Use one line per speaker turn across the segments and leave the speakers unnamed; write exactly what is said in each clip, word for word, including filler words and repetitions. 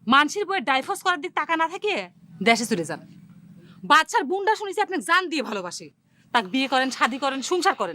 মানুষের বইয়ের ডাইভোর্স করার দিক টাকা না থাকে দেশে চলে যান। বাচ্চার বুনটা শুনেছি আপনি জান দিয়ে ভালোবাসে, তাকে বিয়ে করেন, শাদি করেন, সংসার করেন।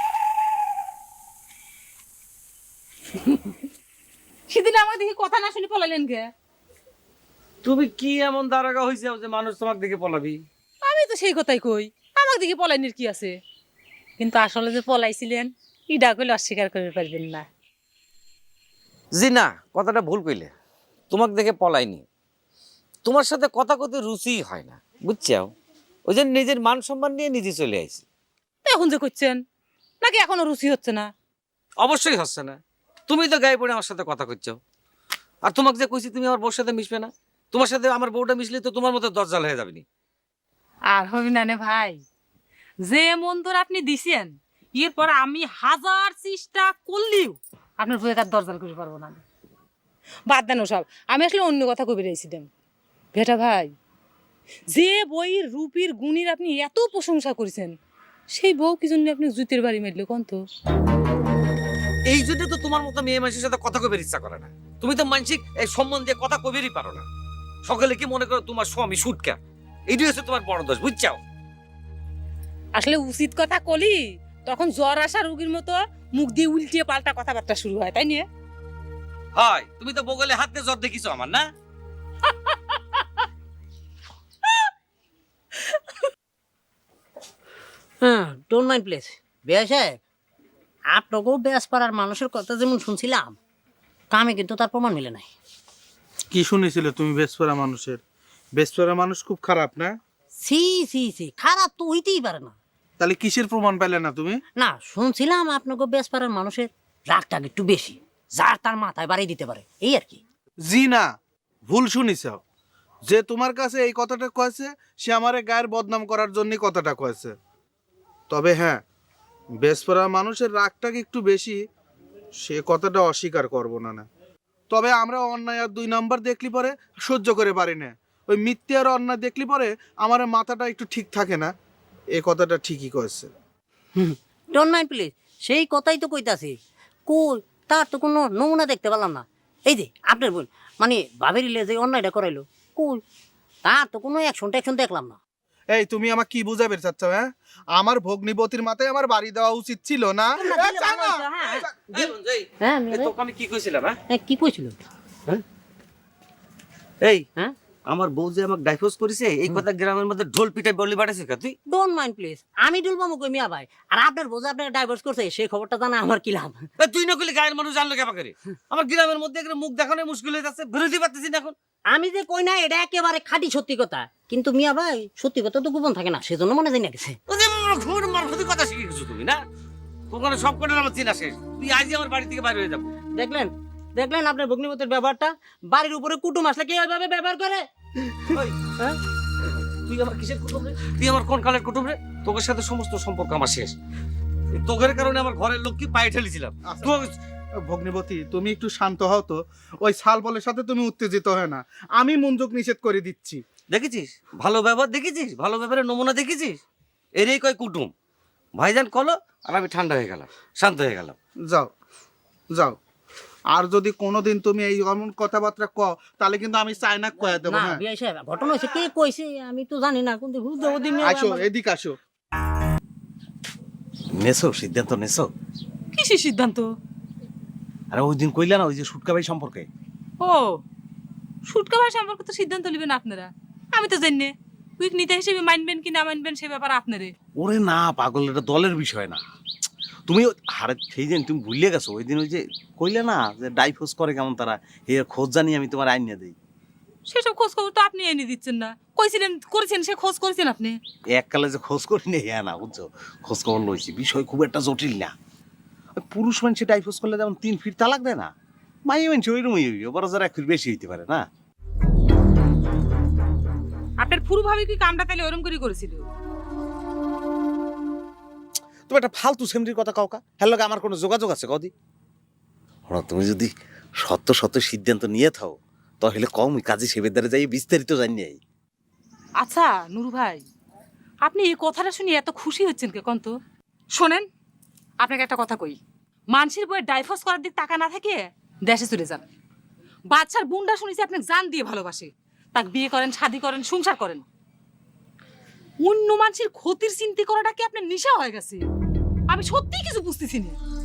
সেদিন আমার দেখি কথা না শুনে পলাইলেন কে?
তুমি কি এমন দাঁড়াগা হয়েছে যে মানুষ তোমাকে দেখে পলাবি?
আমি তো সেই কথাই কই, আমার দিকে পলাইনের কি আছে? কিন্তু আসলে যে পলাইছিলেন ইডা কইলে অস্বীকার করতে পারবেন না।
জি না, কথাটা ভুল কইলে। তোমাকে দেখে পলাইনি, তোমার সাথে কথা কতে রুচি হয় না, বুঝছাও? ওই যে নিজের মান সম্মান নিয়ে নিজে চলে আইছি।
এখন যে করছেন নাকি এখনো রুচি হচ্ছে না?
অবশ্যই হচ্ছে না, তুমি তো গায়ে পড়ে আমার সাথে কথা করছো। আর তোমাকে যে কইছি তুমি আমার বউর সাথে মিশবে না, তোমার সাথে আমার বউটা মিশলে তো তোমার মতো দরজাল হয়ে যাবে নি।
আর হবি না নে ভাই, যে মন্তর আপনি দিছেন এরপর আমি হাজার চেষ্টা করলেও আপনার বইয়ে তার দরজাল করে পারবো না। বাদ দেন সব, আমি আসলে অন্য কথা কবি রয়েছিলাম। ভেটা ভাই, যে বইয়ের রূপীর গুণীর আপনি এত প্রশংসা করেছেন, সেই বউ কি জন্য আপনি জুতের বাড়ি মারলো কোন তো?
এই জন্য তো তোমার মতো মেয়ে মানুষের সাথে কথা কবের ইচ্ছা করে না। তুমি তো মানসিক এই সম্বন্ধে দিয়ে কথা কবেরই পারো না। সকলে কি মনে করো তোমার স্বামী সুটকা, এইটাই হচ্ছে তোমার বড় দোষ, বুঝছাও?
আসলে উচিত কথা কলি তখন জ্বর আসা রোগীর মতো মুখ দিয়ে উল্টিয়ে পাল্টা কথাবার্তা শুরু হয়, তাই নিয়ে?
হয়, তুমি তো বগলে হাত দিয়ে জ্বর দেখিছো আমার, না?
হ্যাঁ, ডোন্ট মাইন্ড প্লিজ। বেয়া সাহেব, আপনাকেও বেশ পাড়ার মানুষের কথা যেমন শুনছিলাম, কামে কিন্তু তার প্রমাণ মিলে নাই।
কি শুনেছিলে তুমি বেসপরা মানুষের? বেসপরা মানুষ খুব খারাপ না?
সি সি সি খারাপ তো হইতেই পারে না।
তাহলে কিসের প্রমাণ পাইলে না তুমি?
না, শুনছিলাম আপনাকে বেশ পাড়ার মানুষের রাগটাগ একটু বেশি, যার তার মাথায় বাড়ি দিতে পারে, এই আর কি।
জি না, ভুল শুনিছ। যে তোমার কাছে এই কথাটা কয়েছে সে আমারে গায়ের বদনাম করার জন্য কথাটা কয়েছে। তবে হ্যাঁ, বেসপরা মানুষের রাগটাগ একটু বেশি, সে কথাটা অস্বীকার করব না না। তবে আমরা অন্যায় আর দুই নাম্বার দেখলি পরে সহ্য করে পারি না। ওই মিথ্যে আর অন্যায় দেখলি পরে আমার মাথাটা একটু ঠিক থাকে না। এই কথাটা ঠিকই কয়েছে।
ডোন্ট মাইন্ড প্লিজ, সেই কথাই তো কইতাছি। কই তার তো কোনো নমুনা দেখতে পেলাম না। এই যে আপনার বোন মানে বাবের ইলে যে অন্যায়টা করাইলো, কই তার তো কোনো অ্যাকশন ট্যাকশন দেখলাম না।
এই তুমি আমাকে কি বুঝাবে চাচ্ছ? হ্যাঁ, আমার ভগ্নিপতির মাথায় আমার বাড়ি দেওয়া উচিত ছিল না? এ, চা না।
এই বন্ধু, এই,
হ্যাঁ
এই তোকে আমি কি কইছিলাম? হ্যাঁ,
হ্যাঁ, কি কইছিল?
এই
হ্যাঁ,
আমার বউ যে আমাকে ডাইভোর্স করেছে এই কথা গ্রামের মধ্যে ঢোল পিটাই বলি বাড়াইছিস কা তুই?
ডোন্ট মাইন্ড প্লিজ, আমি ডুলবামু কই মিয়া ভাই। আর আপনার বোঝা আপনার ডাইভোর্স করছে সেই খবরটা জানা আমার কি লাভ?
এ, তুই না কইলে গায়ের মানুষ জানলো কেমন করে? আমার গ্রামের মধ্যে একটা মুখ দেখানো মুশকিল হয়ে যাচ্ছে, বিরোধী পাচ্ছি না এখন।
আমি যে কই না এটা একেবারে খাঁটি সত্যি কথা, কিন্তু মিয়া ভাই সত্যি কথা তো গোপন থাকে না, সেজন্য মনে জানি না গেছে।
ও যে ঘুর মারফতি কথা শিখে গেছো তুমি, না? ওখানে সব কটা আমার চিনা শেষ, তুই আজই আমার বাড়ি থেকে বাইরে হয়ে যাবো।
দেখলেন দেখলেন আপনার ভগ্নিপতির ব্যবহারটা? বাড়ির উপরে কুটুম আসলে কি ওইভাবে ব্যবহার করে?
ওই,
হ্যাঁ,
তুই আমার কিসের কুটুম রে? তুই আমার কোন কালের কুটুম রে? তোকের সাথে সমস্ত সম্পর্ক আমার শেষ। এই তোকের কারণে আমার ঘরের লোক কি পায়ে ঠেলেছিলাম। তো-
ভগ্নিপতি, তুমি একটু শান্ত হও তো। ওই শাল বলের সাথে তুমি উত্তেজিত হয় না। আমি মনযোগ নিষেধ করে দিচ্ছি।
দেখেছিস ভালো ব্যবহার, দেখেছিস ভালো ব্যবহারের নমুনা, দেখেছিস? এরই কয় কুটুম। ভাইজান কলো আর আমি ঠান্ডা হয়ে গেলাম, শান্ত হয়ে গেলাম।
যাও যাও, আর যদি কোনোদিন তুমি এই এমন কথাবার্তা কও তাহলে কিন্তু আমি চায়না কয়া দেবো।
না
হ্যাঁ,
বিয়াই সাহেব, ঘটনা হয়েছে কে কইছে আমি তো জানি না, কিন্তু হুদ ওদিন
আসো এদিক আসো।
নেছো সিদ্ধান্ত নেছো?
কিসের সিদ্ধান্ত?
আরে ওই দিন কইলা না ওই যে সুটকা ভাই সম্পর্কে?
ও, সুটকা ভাই সম্পর্কে তো সিদ্ধান্ত নেবেন আপনারা, আমি তো জানি না। উইক নিতে হিসেবে মানবেন কি না মানবেন সে ব্যাপার আপনারে।
ওরে না পাগল, এটা দলের বিষয় না। তুমি ও- হারে সেই দিন তুমি ভুলে গেছো। ওই দিন ওই যে কইলে না যে ডাইভোর্স করে কেমন তারা, এর খোঁজ জানি আমি তোমার আইন দিই।
সেসব খোঁজ খবর তো আপনি এনে দিচ্ছেন না। কইছিলেন করেছেন, সে খোঁজ করেছেন আপনি।
এককালে যে খোঁজ করি নেই হ্যাঁ না, বুঝছো? খোঁজ খবর লইছি, বিষয় খুব একটা জটিল না। ওই পুরুষ মানুষে ডাইভোর্স করলে যেমন তিন ফিট তালাক দেয় না, মাইয়ে মানুষ ওইরকমই হইবে, বড় যারা এক ফিট বেশি হইতে পারে না।
আপনার ফুরু ভাবে কি কামটা তাহলে ওরম করে করেছিল?
তুমি একটা ফালতু সেমরির কথা কাউকা, হ্যাঁ লগে আমার কোনো যোগাযোগ আছে কদি? হ্যাঁ, তুমি যদি সত্য সত্য সিদ্ধান্ত নিয়ে থাও তাহলে কম কাজী সেবের দ্বারা যাই বিস্তারিত জানি।
আচ্ছা নুরু ভাই, আপনি এই কথাটা শুনে এত খুশি হচ্ছেন কে কন্ত? শোনেন, আপনাকে একটা কথা কই, মানুষের বইয়ের ডাইভোর্স করার দিক টাকা না থাকে দেশে চলে যান। বাচ্চার বুনটা শুনেছি আপনি জান দিয়ে ভালোবাসে, তাক বিয়ে করেন, শাদি করেন, সংসার করেন। অন্য মানুষের ক্ষতির চিন্তা করাটা কি আপনার নেশা হয়ে গেছে? আমি সত্যিই কিছু বুঝতেছি না।